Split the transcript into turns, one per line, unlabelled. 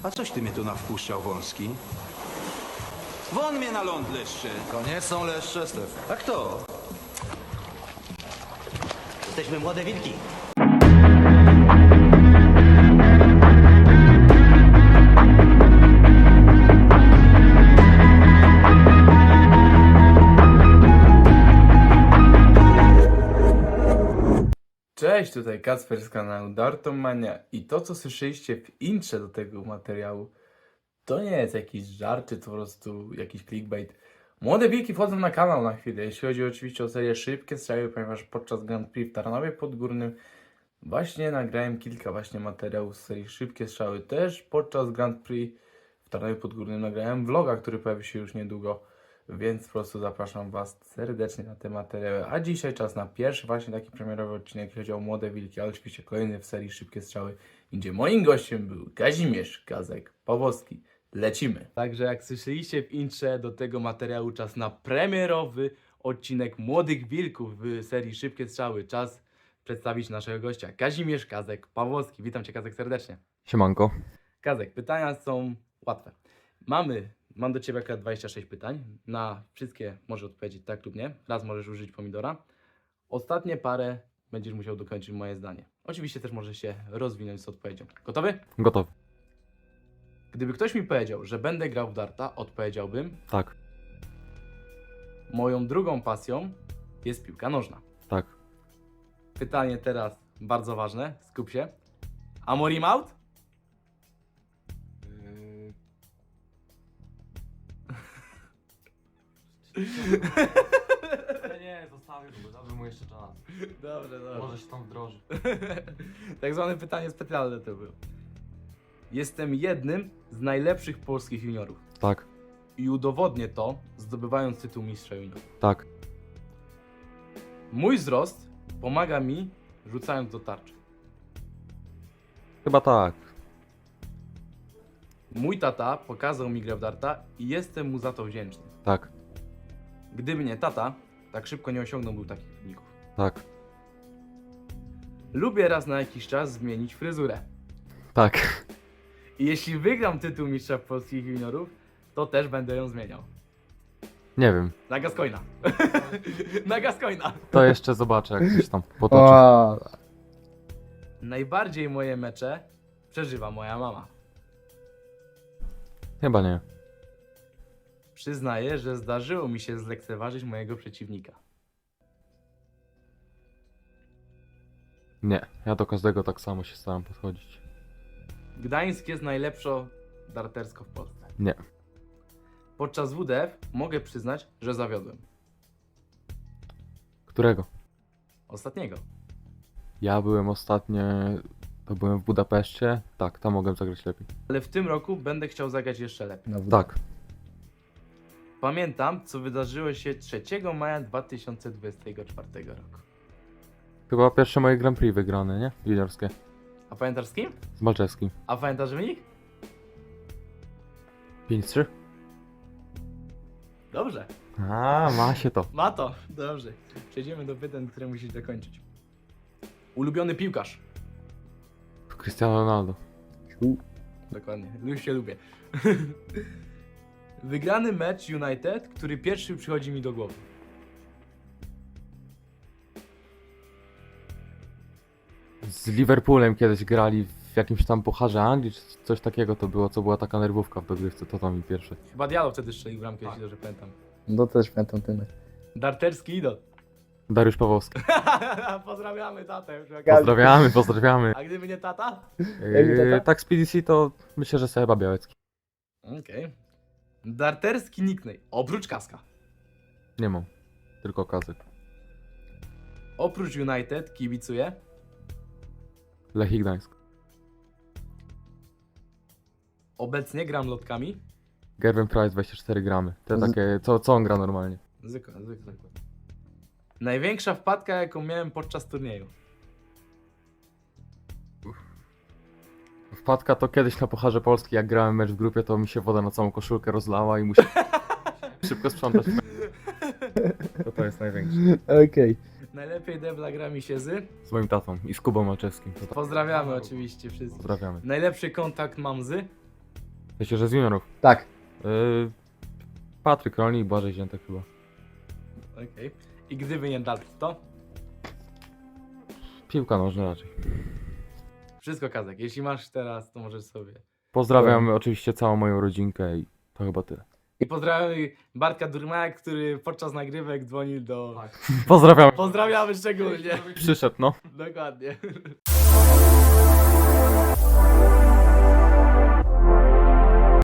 A coś ty mnie tu nawpuszczał, Wąski? Won mnie na ląd, leszcze!
To nie są leszcze, Stef.
A kto?
Jesteśmy młode wilki.
Cześć, tutaj Kacper z kanału Dartomania i to, co słyszeliście w intrze do tego materiału, to nie jest jakiś żart, czy to po prostu jakiś clickbait. Młode wilki wchodzą na kanał na chwilę, jeśli chodzi oczywiście o serię Szybkie Strzały, ponieważ podczas Grand Prix w Tarnowie Podgórnym właśnie nagrałem kilka materiałów z serii Szybkie Strzały. Też podczas Grand Prix w Tarnowie Podgórnym nagrałem vloga, który pojawi się już niedługo. Więc po prostu zapraszam Was serdecznie na te materiały. A dzisiaj czas na pierwszy właśnie taki premierowy odcinek, jeśli chodzi o Młode Wilki, ale oczywiście kolejny w serii Szybkie Strzały, gdzie moim gościem był Kazimierz Kazek-Pawłowski. Lecimy! Także jak słyszeliście w intrze do tego materiału, czas na premierowy odcinek Młodych Wilków w serii Szybkie Strzały. Czas przedstawić naszego gościa, Kazimierz Kazek-Pawłowski. Witam Cię, Kazek, serdecznie.
Siemanko.
Kazek, pytania są łatwe. Mam do Ciebie akurat 26 pytań. Na wszystkie możesz odpowiedzieć tak lub nie. Raz możesz użyć pomidora. Ostatnie parę będziesz musiał dokończyć moje zdanie. Oczywiście też możesz się rozwinąć z odpowiedzią. Gotowy?
Gotowy.
Gdyby ktoś mi powiedział, że będę grał w darta, odpowiedziałbym:
Tak,
moją drugą pasją jest piłka nożna.
tak.
Pytanie teraz bardzo ważne. Skup się. Amorim out?
Nie, zostawię go, dałbym mu jeszcze czas.
Dobrze.
Może się tam wdroży.
Tak zwane pytanie specjalne to było. Jestem jednym z najlepszych polskich juniorów.
Tak,
I udowodnię to, zdobywając tytuł mistrza juniorów.
tak.
Mój wzrost pomaga mi, rzucając do tarczy.
Chyba tak.
Mój tata pokazał mi grę w darta i jestem mu za to wdzięczny.
Tak,
Gdyby nie tata, tak szybko nie osiągnąłbym takich wyników.
tak.
Lubię raz na jakiś czas zmienić fryzurę.
Tak.
I jeśli wygram tytuł mistrza polskich juniorów, to też będę ją zmieniał.
Nie wiem.
Na Gascoina. Na Gascoina.
To jeszcze zobaczę, jak coś tam potoczy.
Najbardziej moje mecze przeżywa moja mama.
Chyba nie.
Przyznaję, że zdarzyło mi się zlekceważyć mojego przeciwnika.
Nie. Ja do każdego tak samo się staram podchodzić.
Gdańsk jest najlepszo dartersko w Polsce.
Nie.
Podczas WDF mogę przyznać, że zawiodłem.
Którego?
Ostatniego.
Ja byłem ostatnio... To byłem w Budapeszcie. Tak, tam mogłem zagrać lepiej.
Ale w tym roku będę chciał zagrać jeszcze lepiej.
Tak.
Pamiętam, co wydarzyło się 3 maja 2024 roku.
Chyba pierwsze moje Grand Prix wygrane, nie? Juniorskie.
A pamiętasz z kim?
Z Malczewskim.
A pamiętasz wynik?
5-3?
Dobrze.
A, ma się to.
Ma to. Dobrze. Przejdziemy do pytań, które musisz dokończyć. Ulubiony piłkarz.
Cristiano Ronaldo.
Dokładnie. Już się lubię. Wygrany mecz United, który pierwszy przychodzi mi do głowy.
Z Liverpoolem kiedyś grali w jakimś tam pucharze Anglii, czy coś takiego to było, co była taka nerwówka w dogrywce, to mi pierwszy.
Chyba Diallo wtedy strzelił bramkę, jeśli dobrze pamiętam.
No też pamiętam ten mecz.
Darterski idol.
Dariusz Pawłowski.
Pozdrawiamy tatę.
Pozdrawiamy.
A gdyby nie tata?
Tak z PDC to myślę, że Seba Białecki.
Okej. Darterski nickname. Oprócz Kaska.
Nie mam, tylko Kazy.
Oprócz United kibicuję.
Lechii Gdańsk.
Obecnie gram lotkami.
Gerben Price 24 gramy. Te takie, co on gra normalnie.
Zwykle. Największa wpadka, jaką miałem podczas turnieju.
Wpadka to kiedyś na Pucharze Polski, jak grałem mecz w grupie, to mi się woda na całą koszulkę rozlała i musiałem szybko sprzątać. To jest największe.
Okej.
Najlepiej debla gra mi się z.
Z moim tatą i z Kubą Malczewskim. To tak.
Pozdrawiamy oczywiście wszyscy.
Pozdrawiamy.
Najlepszy kontakt mam z.
Wiecie, że z juniorów.
Tak.
Patryk Rolnik i Błażej Ziętek chyba.
Okej. I gdyby nie dart, to?
Piłka nożna raczej.
Wszystko Kazek. Jeśli masz teraz, to możesz sobie.
Pozdrawiam oczywiście całą moją rodzinkę i to chyba tyle.
I pozdrawiamy Bartka Durmaka, który podczas nagrywek dzwonił do...
Pozdrawiam.
Pozdrawiamy szczególnie.
Przyszedł, no.
Dokładnie.